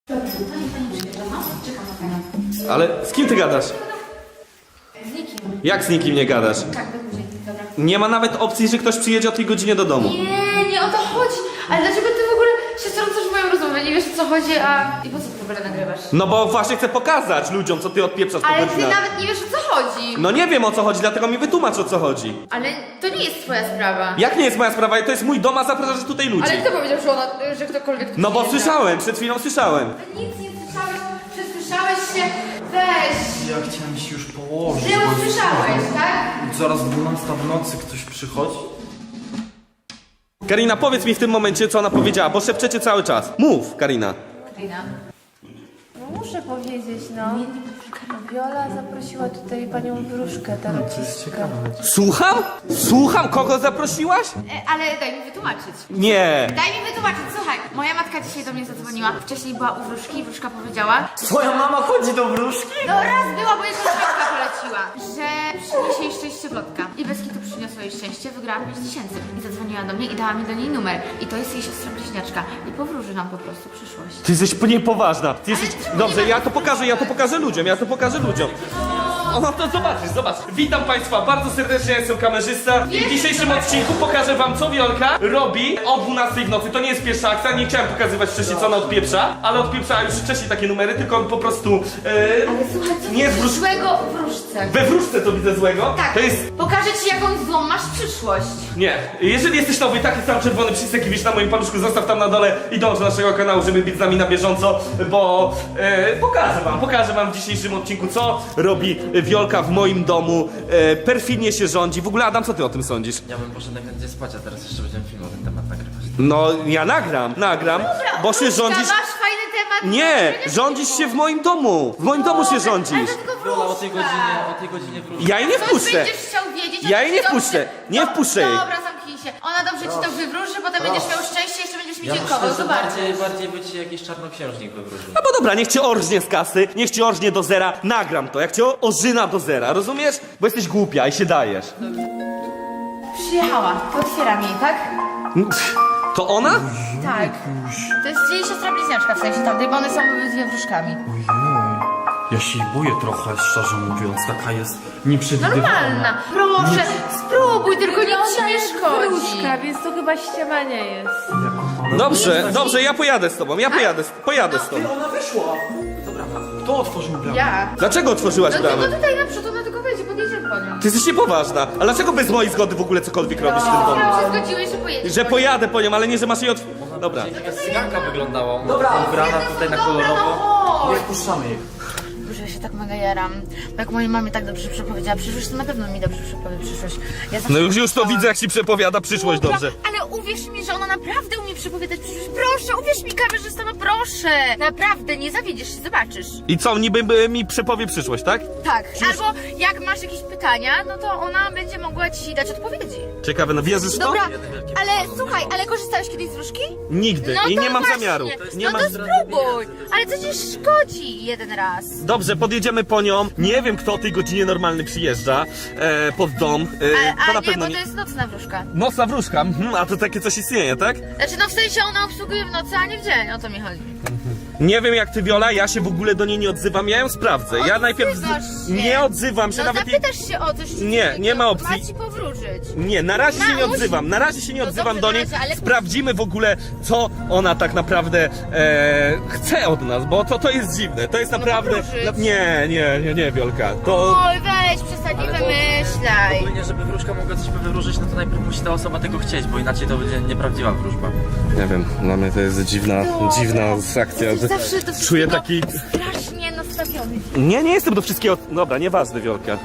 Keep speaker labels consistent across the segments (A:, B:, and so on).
A: Dobrze, pani przyjeżdża, no? Czekam na panią.
B: Ale z kim ty gadasz?
A: Z nikim.
B: Jak z nikim nie gadasz?
A: Tak, do później, dobra.
B: Nie ma nawet opcji, że ktoś przyjedzie o tej godzinie do domu.
A: Nie o to chodzi. Ale dlaczego ty w ogóle się wtrącasz w moją rozmowę? Nie wiesz o co chodzi, a... I po co ty w ogóle nagrywasz?
B: No bo właśnie chcę pokazać ludziom, co ty odpieprzasz po
A: Ale ty
B: godzinach.
A: nawet nie wiesz o co chodzi.
B: No nie wiem o co chodzi, dlatego mi wytłumacz o co chodzi.
A: Ale to nie jest twoja sprawa.
B: Jak nie jest moja sprawa? To jest mój dom, a zapraszasz tutaj ludzi.
A: Ale kto powiedział, że ktokolwiek tu
B: No bo
A: przyjeżdża?
B: słyszałem, przed chwilą słyszałem.
A: Nic nie słyszałeś, przesłyszałeś się. Weź.
C: Ja chciałem się już położyć.
A: Że usłyszałeś, tak?
C: Zaraz 12 w nocy ktoś przychodzi.
B: Karina, powiedz mi w tym momencie, co ona powiedziała, bo szepczecie cały czas. Mów, Karina.
A: Karina.
D: No muszę powiedzieć, no. Wiola zaprosiła tutaj panią Wróżkę, tarocistkę.
B: Słucham? Słucham? Kogo zaprosiłaś?
A: Ale daj mi wytłumaczyć.
B: Nie.
A: Daj mi wytłumaczyć, słuchaj. Moja matka dzisiaj do mnie zadzwoniła. Wcześniej była u Wróżki i Wróżka powiedziała...
C: Twoja mama chodzi do wróżki?
A: No raz była, bo jeszcze matka poleciła, że przyniesie jej szczęście plotka. I bez kitu przyniosła jej szczęście, wygrała 5000. I zadzwoniła do mnie i dała mi do niej numer. I to jest jej siostra bliźniaczka. I powróży nam po prostu przyszłość.
B: Ty jesteś niepoważna. Ty jesteś...
A: czemu
B: Dobrze,
A: nie
B: ja to pokażę ludziom, O, no to zobaczysz, zobacz. Witam Państwa bardzo serdecznie, ja jestem kamerzysta i w dzisiejszym odcinku pokażę Wam, co Wiolka robi o 12 w nocy. To nie jest pierwsza akcja, nie chciałem pokazywać wcześniej, co ona odpieprza, ale odpieprzała już wcześniej takie numery, tylko po prostu...
A: Ale słuchaj, co
B: nie jest
A: jest złego w Wróżce?
B: We wróżce to widzę złego.
A: Tak,
B: To jest...
A: pokażę ci jaką złą masz przyszłość.
B: Nie, jeżeli jesteś nowy, taki sam czerwony przycisk, jaki widzisz na moim paluszku, zostaw tam na dole i dąż do naszego kanału, żeby być z nami na bieżąco, bo pokażę wam w dzisiejszym odcinku, co robi Wiolka w moim domu, perfidnie się rządzi. W ogóle, Adam, co ty o tym sądzisz?
C: Ja bym poszedł najchętniej spać, a teraz jeszcze będziemy film o ten temat nagrywać.
B: No, ja nagram, bo się
A: Wróżka,
B: rządzisz...
A: masz fajny temat.
B: Nie, rządzisz się w moim domu, się rządzisz.
A: Ale to tylko
C: Wiola,
A: Wróżka.
C: o tej godzinie wróżki.
B: Ja jej nie
A: Coś
B: wpuszczę.
A: będziesz chciał wiedzieć,
B: Ja
A: ona
B: jej nie
A: ci dobrze-
B: wpuszczę. Nie
A: No,
B: wpuszczę jej.
A: Dobra, zamknij się. Ona dobrze ci to wywróży, potem będziesz miał szczęście, jeszcze będziesz mi
C: Ja
A: dziękował.
C: myślę, że
A: Zobacz.
C: bardziej by ci jakiś czarnoksiężnik wywróżył.
B: No bo dobra, niech cię orżnie z kasy, niech cię orżnie do zera, nagram to, jak cię orzyna do zera, rozumiesz? Bo jesteś głupia i się dajesz.
A: Przyjechała, to otwieram jej, tak?
B: To ona?
A: Tak. To jest jej siostra bliźniaczka, w sensie tamtej, bo one są dwie wróżkami.
C: Ojej. Ja się jej boję trochę, szczerze mówiąc. Taka jest nieprzewidywalna.
A: Normalna. Proszę, spróbuj, tylko nic ci nie szkodzi.
D: Wróżka, więc to chyba ściema nie jest.
B: Dobrze, ja pojadę z tobą, pojadę z tobą.
C: Ona wyszła. Dobra, kto otworzył bramę?
A: Ja.
B: Dlaczego otworzyłaś
A: No
B: bramę?
A: tylko tutaj naprzód, ona tylko wejdzie, podjedziemy po nią.
B: Ty jesteś niepoważna. A dlaczego bez mojej zgody w ogóle cokolwiek robisz w tym domu?
A: Sam się zgodziłeś, że pojedziesz.
B: Że pojadę po nią, ale nie, że masz jej Dobra.
C: Jaka cyganka wyglądała. Dobra, ubrana tutaj na kolorowo. Nie wpuszczamy jej.
A: Boże, ja się tak mega jaram. Bo jak mojej mamie tak dobrze przepowiedziała przyszłość, to na pewno mi dobrze przepowie przyszłość. Ja zawsze
B: No już to
A: myślałam-
B: widzę, jak ci przepowiada przyszłość dobrze.
A: Ale uwierz mi, że ona naprawdę umie przepowiadać przyszłość. Proszę, uwierz mi, kamerzysta, no proszę. Naprawdę, nie zawiedziesz się, zobaczysz.
B: I co, niby mi przepowie przyszłość, tak?
A: Tak. Albo jak masz jakieś pytania, no to ona będzie mogła ci dać odpowiedzi.
B: Ciekawe, no wierzysz w to?
A: Dobra, ale słuchaj, ale korzystałeś kiedyś z wróżki?
B: Nigdy.
A: No
B: I
A: to
B: nie mam
A: właśnie.
B: zamiaru. Nie
A: No
B: mam...
A: to spróbuj. Ale co ci szkodzi jeden raz?
B: Dobrze, podjedziemy po nią. Nie wiem, kto o tej godzinie normalny przyjeżdża pod dom. To
A: A
B: na
A: nie,
B: pewno
A: bo to jest nocna wróżka.
B: Nocna wróżka, a to takie coś istnieje, tak?
A: Znaczy, no w sensie ona obsługuje w nocy, a nie w dzień, o to mi chodzi.
B: Nie wiem jak ty, Wiola, ja się w ogóle do niej nie odzywam, ja ją sprawdzę. Ja najpierw
A: Odzywasz się.
B: nie odzywam się,
A: No
B: nawet jej...
A: zapytasz się o coś, czy
B: Nie,
A: ci
B: nie ma
A: to
B: opcji.
A: Ma ci powróżyć.
B: Nie, na razie się nie
A: Naucz.
B: odzywam, na razie się nie
A: No
B: odzywam
A: dobrze,
B: do
A: na
B: niej.
A: razie, ale-
B: Sprawdzimy w ogóle, co ona tak naprawdę chce od nas, bo to jest dziwne, to jest naprawdę...
A: powróżyć.
B: Nie, Wiolka, to...
A: Oj, weź, przestań, nie wymyślaj.
C: Ogólnie, żeby wróżka mogła coś wywróżyć, no to najpierw musi ta osoba tego chcieć, bo inaczej to będzie nieprawdziwa wróżba.
B: Nie wiem, dla mnie to jest dziwna akcja.
A: Jesteś zawsze do
B: Czuję
A: wszystkiego
B: taki...
A: strasznie nastawiony.
B: Nie jestem do wszystkiego... Dobra, nieważne, Wiolka.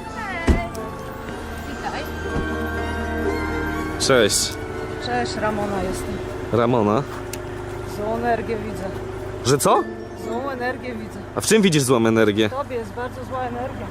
A: Witaj.
B: Cześć.
D: Cześć, Ramona jestem.
B: Ramona.
D: Złą energię widzę.
B: Że co?
D: Złą energię widzę.
B: A w czym widzisz złą energię?
D: W tobie jest bardzo zła energia.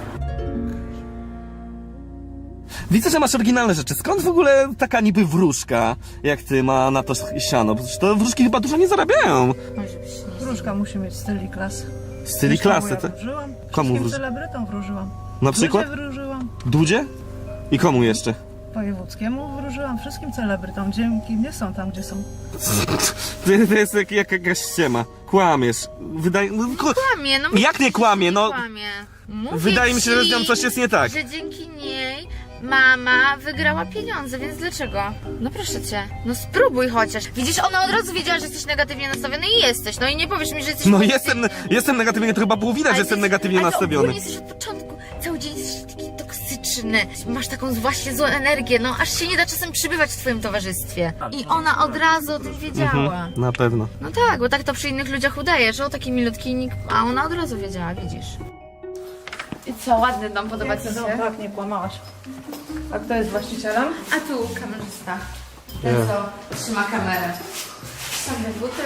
B: Widzę, że masz oryginalne rzeczy. Skąd w ogóle taka niby wróżka, jak ty, ma na to siano? Przecież to wróżki chyba dużo nie zarabiają.
A: Może byś nie...
D: Wróżka musi mieć styl i klasę.
B: Styli klasy,
D: Ja
B: tak?
D: wróżyłam.
B: Komu
D: Wszystkim
B: wróży?
D: celebrytom wróżyłam.
B: Na przykład?
D: Dudzie wróżyłam.
B: Dudzie? I komu jeszcze?
D: wojewódzkiemu wróżyłam wszystkim celebrytom. Dzięki mnie są tam, gdzie są.
B: To jest jakaś ściema. Kłamiesz.
A: Kłamie, no
B: Jak nie kłamie, no?
A: kłamie. Mówię
B: Wydaje mi się, że z nią
A: ci,
B: coś jest nie tak.
A: że dzięki niej mama wygrała pieniądze, więc dlaczego? No proszę cię, no spróbuj chociaż. Widzisz, ona od razu wiedziała, że jesteś negatywnie nastawiony i jesteś. No i nie powiesz mi, że jesteś
B: No
A: pozytywnie.
B: jestem negatywnie, to chyba było widać, że jestem negatywnie
A: ale
B: nastawiony.
A: Ale jesteś od początku, cały dzień jesteś taki toksyczny. Masz taką właśnie złą energię, no aż się nie da czasem przybywać w twoim towarzystwie. I ona od razu o tym wiedziała.
B: Na pewno.
A: No tak, bo tak to przy innych ludziach udaje, że o taki milutki nikt, a ona od razu wiedziała, widzisz. I co, ładny dom, podoba ci się?
D: Tak, nie kłamałaś. A kto jest właścicielem?
A: A tu kamerzysta. Ten co trzyma kamerę. Same buty.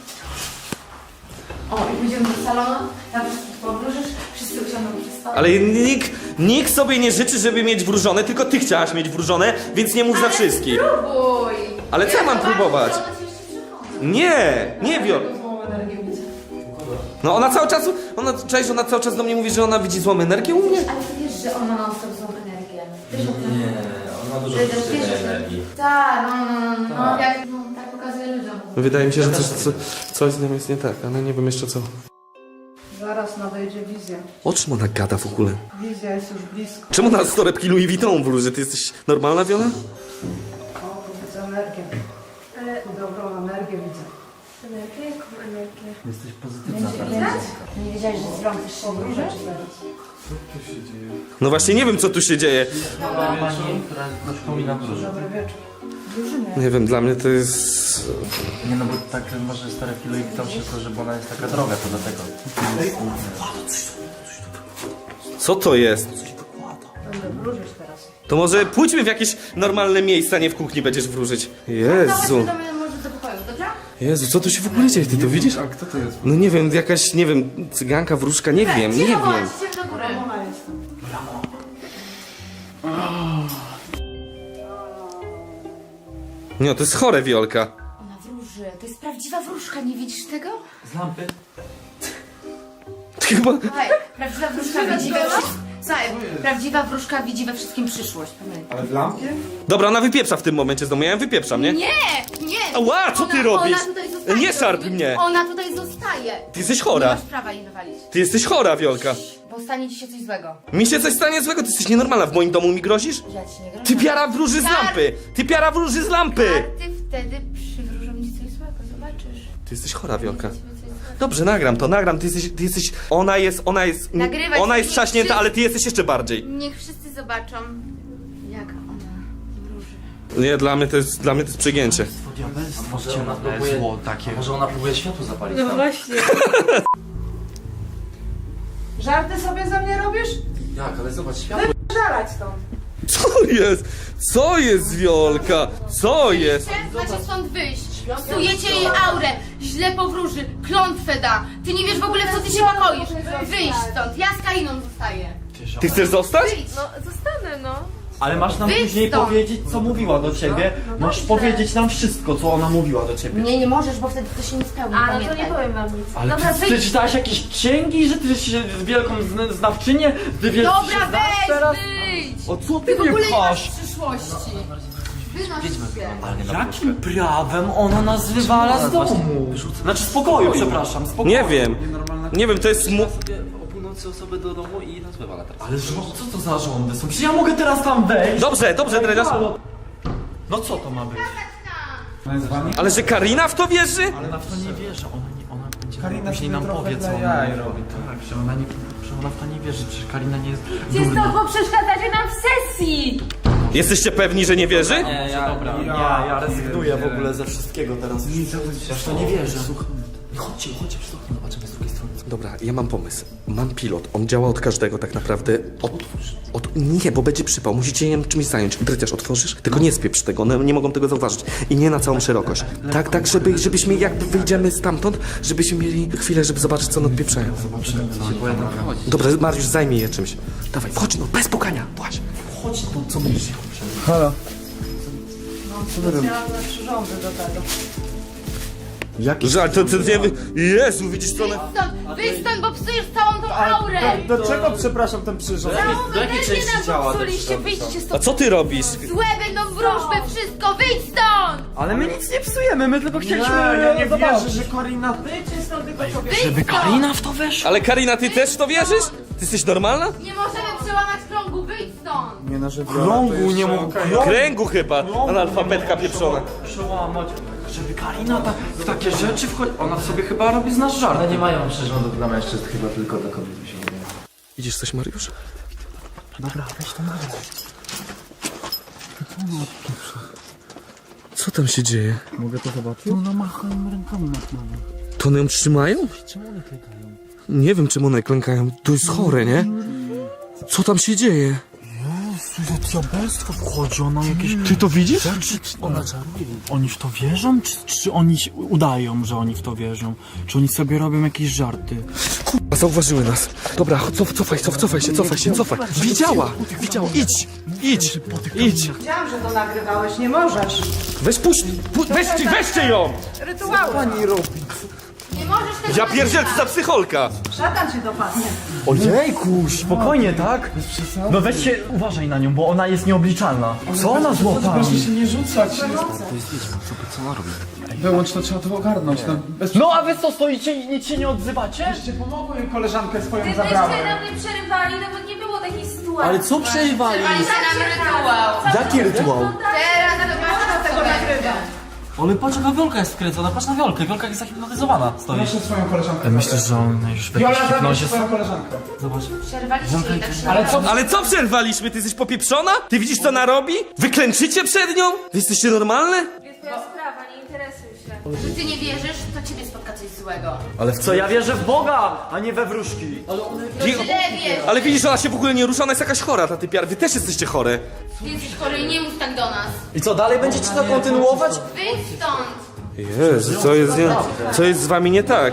A: O, i pójdziemy do salonu, tam wszystkich powróżysz, wszyscy usiądą przy stole.
B: Ale nikt sobie nie życzy, żeby mieć wróżone, tylko ty chciałaś mieć wróżone, więc nie mów za wszystkich.
A: Spróbuj!
B: Ale co ja mam
A: zobaczę,
B: próbować?
A: co ona ci jeszcze przychodzi.
B: Nie Wiol.
D: Złą energię widzę.
B: No ona cały czas do mnie mówi, że ona widzi złą energię u mnie.
A: Ale ty wiesz, że ona ma sobie złą energię. Wiesz o tym?
E: Nie, on ma dużo
A: Wiesz,
E: pozytywnej
A: wiesz, że-
E: energii.
A: Tak, no, jak tak pokazuje ludziom.
B: Wydaje mi się, że coś z nią jest nie tak, ale nie wiem jeszcze co.
D: Zaraz nadejdzie wizja.
B: O czym ona gada w ogóle?
D: Wizja jest już blisko.
B: Czemu na torebki Louis Vuitton wróży? Ty jesteś normalna, Wiola?
D: O, tu widzę energię. Dobrą energię widzę.
E: Jesteś pozytywna teraz.
A: Nie wiedziałeś, że z rąk też się wróży?
B: No właśnie nie wiem co tu się dzieje.
E: Pani, która przypomina wróżę.
D: Dobry wieczór.
B: Nie wiem, dla mnie to jest...
E: Nie no, bo tak może stare kilo i tam się to, żeby ona jest taka droga, to dlatego.
B: Co to jest?
D: Będę wróżyć teraz.
B: To może pójdźmy w jakieś normalne miejsca, nie w kuchni będziesz wróżyć. Jezu.
A: Do mnie może do pokoju, dobra?
B: Jezu, co tu się w ogóle dzieje? Ty to widzisz? A kto to jest? No nie wiem, jakaś, nie wiem, cyganka, wróżka, nie wiem, nie wiem.
A: Chodźcie do góry.
D: Ona jest.
B: Nie, to jest chore, Wiolka.
A: Ona wróży, to jest prawdziwa wróżka, nie widzisz tego?
E: Z lampy?
B: Chyba...
A: Słuchaj, prawdziwa wróżka widzi we wszystkim. Słuchaj, prawdziwa wróżka widzi we wszystkim przyszłość, pamiętaj.
E: Ale w lampie?
B: Dobra, ona wypieprza w tym momencie z domu, ja ją wypieprzam, nie?
A: Nie!
B: Ała, co ty robisz?
A: Ona tutaj zostaje.
B: Nie szarp mnie.
A: Ona tutaj zostaje.
B: Ty jesteś
A: Nie
B: chora.
A: masz prawa jej wywalić,
B: Ty jesteś chora, Wiolka.
A: bo stanie ci się coś złego.
B: Mi się coś stanie złego, ty jesteś nienormalna. W moim domu mi grozisz?
A: Ja ci nie grożę.
B: Ty piara wróży z lampy! Ty piara wróży z lampy!
A: Karty wtedy przywróżą ci coś złego, zobaczysz.
B: Ty jesteś chora, Wiolka.
A: Będzie ci coś złego.
B: Dobrze, nagram, ty jesteś, ona jest,
A: Nagrywać
B: ona jest
A: nie
B: trzaśnięta,
A: wszyscy-
B: ale ty jesteś jeszcze bardziej.
A: Niech wszyscy zobaczą, jak ona wróży.
B: Nie, dla mnie to jest przegięcie.
C: Diabelstwo
E: Może ona próbuje,
C: zło takie.
E: może ona próbuje światło zapalić tam.
D: właśnie. Żarty sobie ze mnie robisz?
E: Jak, ale zobacz, światło.
D: Żalać stąd.
B: Co jest? Co jest, Wiolka? Co jest?
A: Macie stąd wyjść. Psujecie jej aurę, źle powróży, klątwę da. Ty nie wiesz w ogóle, w co ty się pakoisz. Wyjść stąd, ja z Kainą zostaję.
B: Ty chcesz zostać?
A: Wyjdź. No, zostanę, no.
C: Ale masz nam
A: Wyjdź
C: później
A: stąd.
C: powiedzieć, co mówiła do ciebie. Masz
A: dobrze.
C: powiedzieć nam wszystko, co ona mówiła do ciebie.
A: Nie możesz, bo wtedy to się nie spełni, pamiętaj.
F: powiem wam nic.
C: Ale
A: Dobra,
C: ty
A: wyjdź.
C: czytałaś jakieś księgi, że ty się wielką znawczynię? Ty wiesz,
A: Dobra,
C: się znasz
A: weź,
C: teraz?
A: wyjdź.
C: O co ty
A: Ty w ogóle
C: mnie
A: nie masz
C: pchasz?
A: przyszłości. Wynoś się.
C: Jakim prawem ona nas wywala z domu? Znaczy z pokoju, przepraszam, z pokoju.
B: Nie wiem. Nie wiem, to jest...
E: O północy osoby do domu i nas wywala teraz.
C: Ale co to za rządy są? Czy ja mogę teraz tam wejść?
B: Dobrze, Dredziarz.
C: Halo. No co to ma być?
B: Ale że Karina w to wierzy?
C: Ale na to nie wierzy, ona będzie później nam powie, co ona robi. Tak, że ona w to nie wierzy, przecież Karina nie jest durna.
F: Bo przeszkadzacie nam w sesji!
B: Jesteście pewni, że nie wierzy?
C: Nie, ja rezygnuję w ogóle ze wszystkiego teraz. Ja w to nie wierzę.
E: Chodźcie przez okno, zobaczymy z drugiej strony.
B: Dobra, ja mam pomysł. Mam pilot. On działa od każdego tak naprawdę. Nie, bo będzie przypał. Musicie ją czymś zająć. Dredziarz, otworzysz? Tylko nie spieprz tego. One nie mogą tego zauważyć. I nie na całą szerokość. Tak, żebyśmy jakby wyjdziemy stamtąd, żebyśmy mieli chwilę, żeby zobaczyć, co one odpieprzają. Dobra, Mariusz, zajmij je czymś. Dawaj, wchodź, no, bez pukania. Właśnie.
C: Chodź tu, co mówisz?
D: Chciałam na przyrządy do tego.
E: Jaki?
B: Żal, to nie wy... Jezu, widzisz co one...
A: Wyjdź stąd, bo psujesz całą tą aurę!
E: Do czego, przepraszam, ten przyrząd?
C: Do jakiej części ciała?
A: Psuliście, wyjdźcie
B: A
A: stąd!
B: co ty robisz?
A: Złe będą wróżby, wszystko, wyjdź stąd!
C: Ale my nic nie psujemy, my tylko chcieliśmy
E: Ja nie
C: zobaczyć.
E: wierzę, że Karina...
C: Żeby Karina w to weszła?
B: Ale Karina, ty też w to wierzysz? Ty jesteś normalna?
A: Nie możemy przełamać krągu, wyjdź stąd!
E: Nie na żywo.
C: Krągu nie mógł.
B: Kręgu chyba, analfabetka pieprzona.
C: Przełamać. Żeby Karina w takie rzeczy wchodzi. Ona sobie chyba robi z nas żart.
E: Ale nie mają przyrządów dla mężczyzn, chyba tylko dla kobiet mi się wydaje.
B: Widzisz coś, Mariusz?
E: Dobra, weź to nagrać.
B: Co tam się dzieje?
E: Mogę to zobaczyć? No machają rękami na tmawę.
B: To one ją trzymają?
E: Czemu one klikają?
B: Nie wiem, czemu one klękają. To jest chore, nie? Co tam się dzieje?
C: Jezu, diabelstwo wchodzi, ona jakieś...
B: Ty to widzisz?
C: Ona czaruje. Oni w to wierzą? Czy oni udają, że oni w to wierzą? Czy oni sobie robią jakieś żarty?
B: A zauważyły nas. Dobra, cofaj się. Widziała, idź.
D: Wiedziałam, że to nagrywałeś, nie możesz.
B: Weź puść, weźcie ją!
D: Rytuały.
A: Nie możesz tego
B: Ja pierdzielę, co za psycholka!
D: Szatan cię dopadnie.
C: Ojejku, spokojnie, tak? No weź się, uważaj na nią, bo ona jest nieobliczalna. Co ona złapała?
G: Proszę się nie rzucać.
E: Co ona robi?
G: Wyłącz to, trzeba to ogarnąć. No, bez...
C: No a wy co stoicie i nic się nie odzywacie?
G: Jeszcze pomogłem im, koleżankę swoją
F: Gdybyście
G: zabrałem.
F: nam nie przerywali, to by nie było takiej sytuacji.
C: Ale co przerywali?
A: Przerwaliście nam rytuał!
C: Jaki rytuał?
A: Teraz zobaczcie, co będzie.
C: Ale patrz jaka Wiolka jest wkręcona, patrz na Wiolkę, Wiolka jest zahipnotyzowana, stoi.
G: Proszę swoją koleżankę.
C: Myślisz, że on już w jakiejś
G: Viola, zabierz
C: hipnozie...
G: swoją koleżankę.
C: Zobacz.
A: Przerwaliście jej tak się
G: Ale co?
B: Ale co przerwaliśmy? Ty jesteś popieprzona? Ty widzisz, co ona robi? Wy klęczycie przed nią? Wy jesteście normalne?
F: Jest twoja sprawa, nie interesuj się.
A: Że ty nie wierzysz, to ciebie spotka coś złego.
C: Ale w co? Ja wierzę w Boga, a nie we wróżki.
A: Źle wiesz.
B: Ale widzisz, ona się w ogóle nie rusza, ona jest jakaś chora, ta typiar. Wy też jesteście chore.
A: Ty jesteś chory i nie mów tak do nas.
C: I co, dalej będziecie to kontynuować?
A: Wyjdź stąd!
B: Jezu, co jest z wami nie tak?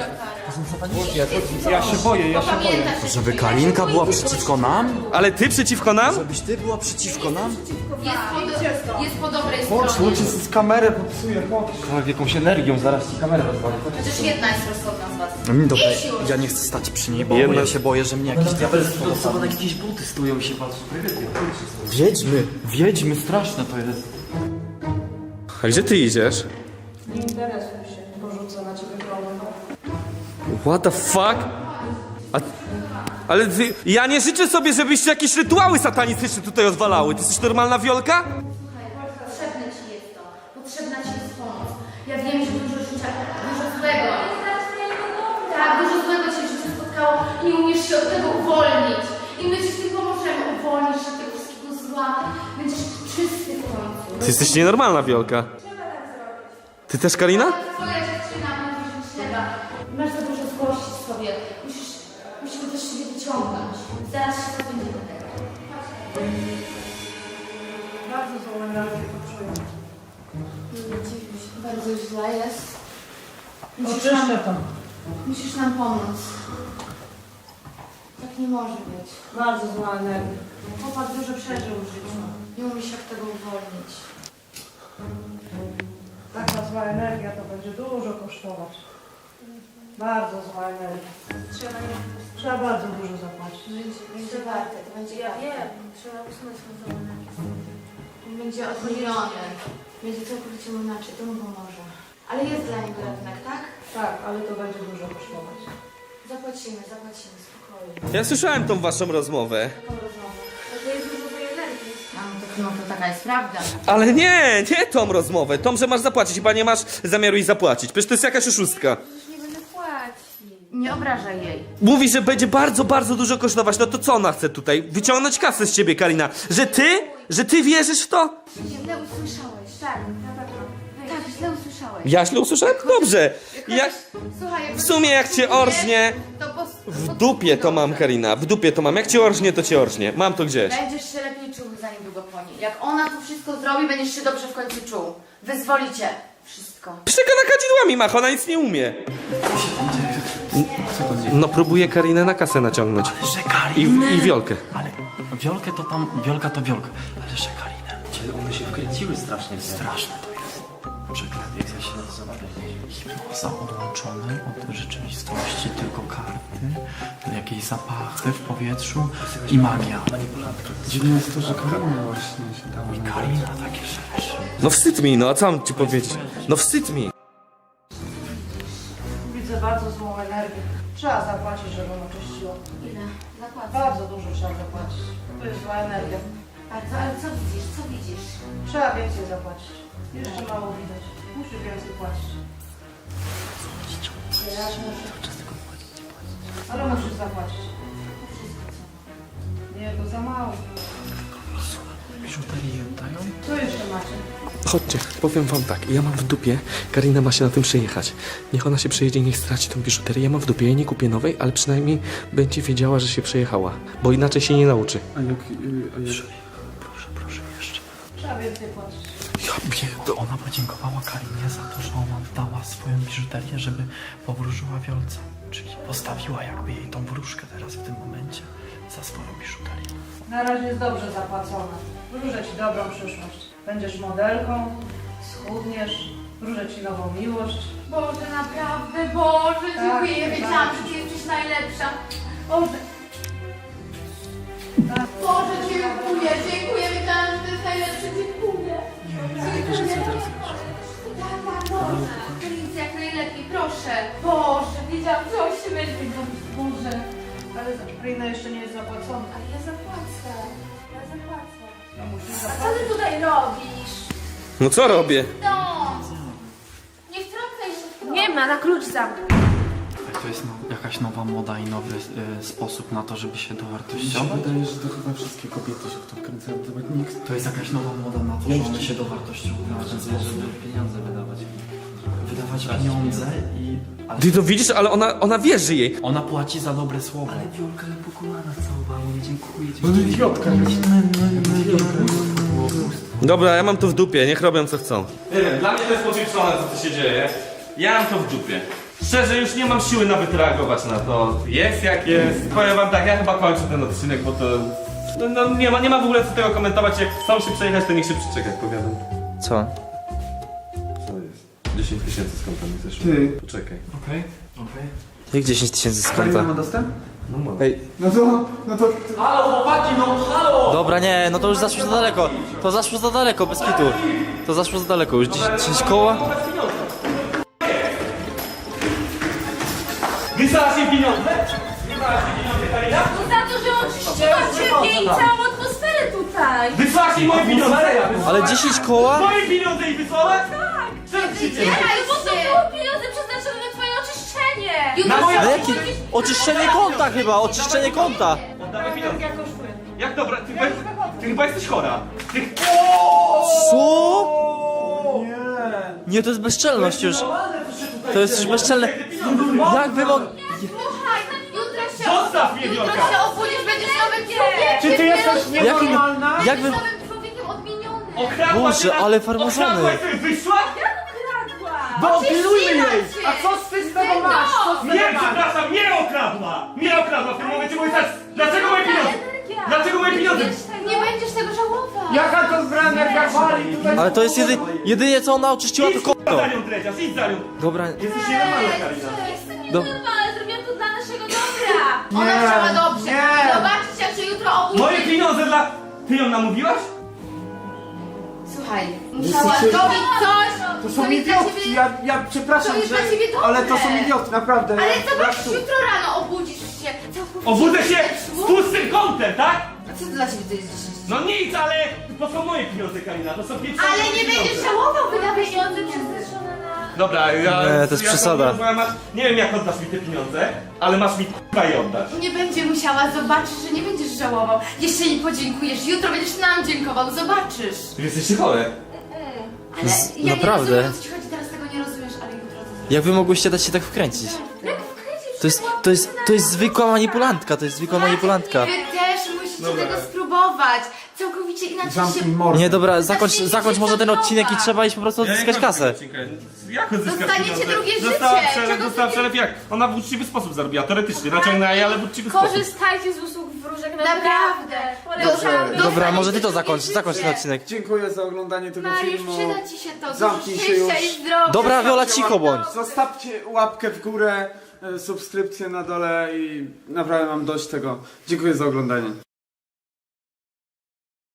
G: Ja się boję.
A: Pamiętasz,
C: Żeby Karinka była przeciwko nam?
B: Ale ty przeciwko nam?
C: Żebyś ty była przeciwko nam?
A: jest po dobrej stronie.
G: Chodź, z kamerę popsuję, chodź.
E: Tak, jakąś energią, zaraz ci kamerę rozwalę.
A: Przecież jedna jest rozsądna z was.
C: Dobra,
A: Idź już.
C: ja nie chcę stać przy niej, bo
B: Jedna-
C: ja się boję, że mnie jakieś diabelstwo dopadnie. Na jakieś buty stoją i się patrzą. Wiedźmy, straszne to jest.
B: A gdzie ty idziesz?
D: Nie interesuj się, porzucę na ciebie krągą.
B: What the fuck? Ale ty, ja nie życzę sobie, żebyście jakieś rytuały satanistyczne tutaj odwalały. Ty jesteś normalna Wiolka?
A: Potrzebne ci jest to. Potrzebna ci jest pomoc. Ja wiem, że dużo życia, dużo złego. Tak, dużo złego cię w życiu spotkało i nie umiesz się od tego uwolnić. I my ci z tym pomożemy. Uwolnisz się od tego wszystkiego zła. Będziesz czysty w końcu.
B: Ty jesteś nienormalna Wiolka. Ty też, Karina?
A: Twoja dziewczyna mówi, że trzeba. Masz za dużo złości w sobie. Musimy też siebie wyciągnąć. Zaraz się pozbędziemy tego.
D: Bardzo złą energię poczuję.
A: Nie dziwię się, bardzo źle jest.
D: Oczyszczę to.
A: Musisz nam pomóc. Tak nie może być.
D: Bardzo zła energia.
A: Chłopak dużo przeżył w życiu. Nie umie się od tego uwolnić.
D: Taka zła energia to będzie dużo kosztować. Bardzo zła energia. Trzeba bardzo dużo zapłacić.
A: Będzie warte, to będzie
F: Ja
A: warte.
F: wiem, trzeba usunąć tą całą energię.
A: Będzie odmieniony. Będzie całkowicie mu inaczej, to mu pomoże. Ale jest dla niego ratunek, tak?
D: Tak, ale to będzie dużo kosztować.
A: Zapłacimy, spokojnie.
B: Ja słyszałem tą waszą rozmowę.
A: Taką rozmowę.
F: To jest dużo tej energii.
A: No to taka jest prawda.
B: Ale nie tą rozmowę. Tą, że masz zapłacić. Chyba nie masz zamiaru jej zapłacić. Przecież to jest jakaś oszustka.
F: Już nie będę płacić.
A: Nie obrażaj jej.
B: Mówi, że będzie bardzo, bardzo dużo kosztować. No to co ona chce tutaj? Wyciągnąć kasę z ciebie, Karina. Że ty wierzysz w to?
A: Źle usłyszałeś.
F: Tak, na pewno.
A: Tak, źle usłyszałeś.
B: Ja źle usłyszałem? Dobrze. Jak,
A: Słuchaj,
B: w sumie jak cię orżnie, w dupie to mam, Karina. W dupie to mam. Jak cię orżnie, to cię orżnie. Mam to gdzieś.
A: Będziesz się lepiej czuł za niedługo po niej. Jak ona to wszystko zrobi, będziesz się dobrze w końcu czuł. Wyzwolicie. Wszystko.
B: Przegana kadzidłami macha, ona nic nie umie. No próbuję Karinę na kasę naciągnąć.
C: Że Karinę?
B: I Wiolkę.
C: Ale Wiolkę to tam, Wiolka to Wiolka. Ale że Karinę?
E: One się wkręciły strasznie.
C: Straszne to jest. przeklęty, jak się nazywa? Hipnoza odłączony od rzeczywistości, tylko karty, jakieś zapachy w powietrzu i magia.
G: Dziwne jest to, że Karina właśnie się dała na
C: Karina takie rzeczy.
B: No wstyd mi, no a co mam ci powiedzieć? No wstyd mi.
D: Widzę bardzo złą energię. Trzeba zapłacić, żeby ją oczyściło.
A: Ile? Zapłacę.
D: Bardzo dużo trzeba zapłacić. To jest zła energia.
A: Bardzo, ale co widzisz? Co widzisz?
D: Trzeba więcej zapłacić. Jeszcze mało widać. Musisz więcej płacić. Ja muszę. Ale musisz zapłacić. Nie, to za mało.
C: Biżuterię dają?
D: Co jeszcze macie?
B: Chodźcie, powiem wam tak, ja mam w dupie, Karina ma się na tym przejechać. Niech ona się przejedzie i niech straci tą biżuterię. Ja mam w dupie, ja nie kupię nowej, ale przynajmniej będzie wiedziała, że się przejechała. Bo inaczej się nie nauczy.
G: A jak...
C: Proszę, jeszcze.
D: Trzeba więcej płacić.
C: Ona podziękowała Karinie za to, że ona dała swoją biżuterię, żeby powróżyła Wiolce. Czyli postawiła jakby jej tą wróżkę teraz w tym momencie za swoją biżuterię.
D: Na razie jest dobrze zapłacone. Wróżę ci dobrą przyszłość. Będziesz modelką, schudniesz, wróżę ci nową miłość.
A: Boże, naprawdę, Boże,
D: Tak,
A: dziękuję,
D: tak.
A: wiedziałam, że ty jesteś najlepsza. Boże. Boże, dziękuję, wiedziałam, że ty jest najlepszy, dziękuję. Boże, Karinie, jak najlepiej, proszę. Boże, wiedziałam, że on się będzie zrobić, Boże.
D: Ale Karina jeszcze nie jest zapłacona.
F: Ale ja zapłacę. Ja zapłacę.
D: No musisz
F: A co
D: zapłacić.
F: ty tutaj robisz?
B: No co robię?
A: No. Nie wtrącaj się w to.
F: Nie ma, na klucz zamknij.
C: To jest jakaś nowa moda i nowy sposób na to, żeby się
G: Mi się
C: dowartościować.
G: wydaje, że to chyba wszystkie kobiety się w to wkręcają. To nawet nikt...
C: To jest jakaś nowa moda na to, że one się dowartościowują w ten sposób.
E: pieniądze wydawać.
C: Wydawać pieniądze i... Ale
B: Ty to widzisz, ale ona wierzy jej.
C: ona płaci za dobre słowo.
E: Wiolka ale po kolanach całowała, nie dziękuję ci.
G: No idiotka jest.
B: Dobra, ja mam to w dupie, niech robią co chcą. Nie wiem, dla mnie to jest powieczone, co tu się dzieje. Ja mam to w dupie. Szczerze, już nie mam siły nawet reagować na to. Jest jak jest. Powiem wam tak, ja chyba kończę ten odcinek, bo to... No nie ma w ogóle co tego komentować. Jak chcą się przejechać, to niech się przyczeka, jak powiadam.
E: Co?
B: Co jest? 10 tysięcy z konta mi zeszło.
G: Ty.
B: Poczekaj.
C: Okej.
E: Jak 10 tysięcy z
G: Karina
E: konta?
G: ma dostęp?
B: No mam.
E: Ej,
G: No to...
C: Halo, chłopaki, no halo!
E: dobra, nie, no to już zaszło za daleko. To zaszło za daleko, bez kitu. To zaszło za daleko, już 10 koła?
B: Wysłałaś jej pieniądze? Wysłałaś jej pieniądze, Karina?
F: Za to, że oczyściła ciebie i całą atmosferę tutaj.
B: Wysłałaś jej moje pieniądze?
E: Ale 10 koła?
B: Moje pieniądze jej wysłałaś?
F: Tak.
B: Co ci się
F: Nie, bo to było pieniądze przeznaczone na twoje oczyszczenie.
B: Na moje...
E: Ale jakie? Oczyszczenie konta chyba, oczyszczenie konta.
B: Oddawaj pieniądze. Jak dobra, ty chyba jesteś chora. Ty...
E: Co? Nie, to jest bezczelność już. To jest już bezczelne. Jak wy mogę...
A: Słuchaj, jutro się...
B: Zostaw mnie,
A: Jutro
B: Wiolka!
A: się obudzisz, będziesz nowym człowiekiem.
G: Czy ty jesteś
E: Jakim...
G: nienormalna?
E: Jak wy...
A: Nowym człowiekiem odmienionym.
B: Okradła
E: Boże,
B: cię na...
E: ale farmazony.
B: Okradłaś sobie, wyszła?
G: Bo pilnujmy jej!
A: Oczyściła cię.
G: A co z tego masz? Co z
B: Nie,
G: tego masz?
B: przepraszam, nie okradła! Nie okradła w tym momencie, mówię tak, dlaczego moje pieniądze? Dlaczego moje pieniądze?
A: Nie będziesz tego żałował.
G: Jaka to zbrana, jak wali tutaj...
E: Ale to jest jedynie co ona oczyściła to
B: Idź
E: konto.
B: za nią, Dredziarz, idź za nią!
E: Dobra,
B: Jesteś nienormalna, Karina.
F: Jestem
E: Do-
F: nienormalna, zrobiłam to dla naszego dobra.
A: Ona chciała dobrze.
G: nie.
A: Zobaczcie, jak się jutro obudzi.
B: Moje pieniądze dla... Ty ją namówiłaś?
A: Słuchaj, musiała zrobić coś.
G: To
A: co
G: są
A: jest dla
G: idiotki,
A: ciebie-
G: ja przepraszam,
A: To jest
G: że...
A: dla ciebie dobre.
G: Ale to są idiotki, naprawdę.
A: Ale zobacz,
G: Ja tu-
A: jutro rano obudzisz się. całkowicie
B: Obudzę się z
A: zepsuł.
B: pustym kątem, tak?
A: A co dla ciebie to jest 10?
B: No nic, ale to są moje pieniądze, Karina, to są pieniądze.
A: Ale nie będziesz żałował, wydawać
F: Pieniądze przeznaczone na...
B: Dobra,
E: Nie, to jest przesada.
B: Nie wiem, jak oddasz mi te pieniądze, ale masz mi k***a je oddać.
A: Nie będzie musiała, zobaczysz, że nie będziesz żałował. Jeszcze mi podziękujesz, jutro będziesz nam dziękował, zobaczysz.
B: Wy jesteście chore.
A: Ale ja
E: naprawdę?
A: nie rozumiem, o co ci chodzi, teraz tego nie rozumiesz, ale jutro to
E: jak wy mogłyście dać się tak wkręcić? To jest zwykła manipulantka, to jest zwykła manipulantka.
A: Wy też musicie
B: Dobra.
A: tego spróbować. Całkowicie inaczej
G: Zamknij
A: się...
G: mordę.
E: Nie, dobra, zakończ może ten odcinek i trzeba iść po prostu odzyskać kasę.
B: Jak odzyskać
A: Dostaniecie
B: pieniądze?
A: drugie życie.
B: Dostała
A: Czego
B: przelew jak? Ona w uczciwy sposób zarobiła, teoretycznie. Naciągnęła je, ale w uczciwy sposób.
F: Korzystajcie z usług wróżki. Bożek, naprawdę.
A: Dobrze,
E: Dobra, może ty to zakończ ten odcinek.
G: Dziękuję za oglądanie tego
A: Mariusz,
G: filmu.
A: przyda ci się to.
G: Zamknij
A: Dużo
G: się
A: szczęścia
G: już.
A: i zdrowia.
E: Dobra, Wiola, cicho bądź.
G: Zostawcie łapkę w górę, subskrypcję na dole i naprawdę mam dość tego. Dziękuję za oglądanie.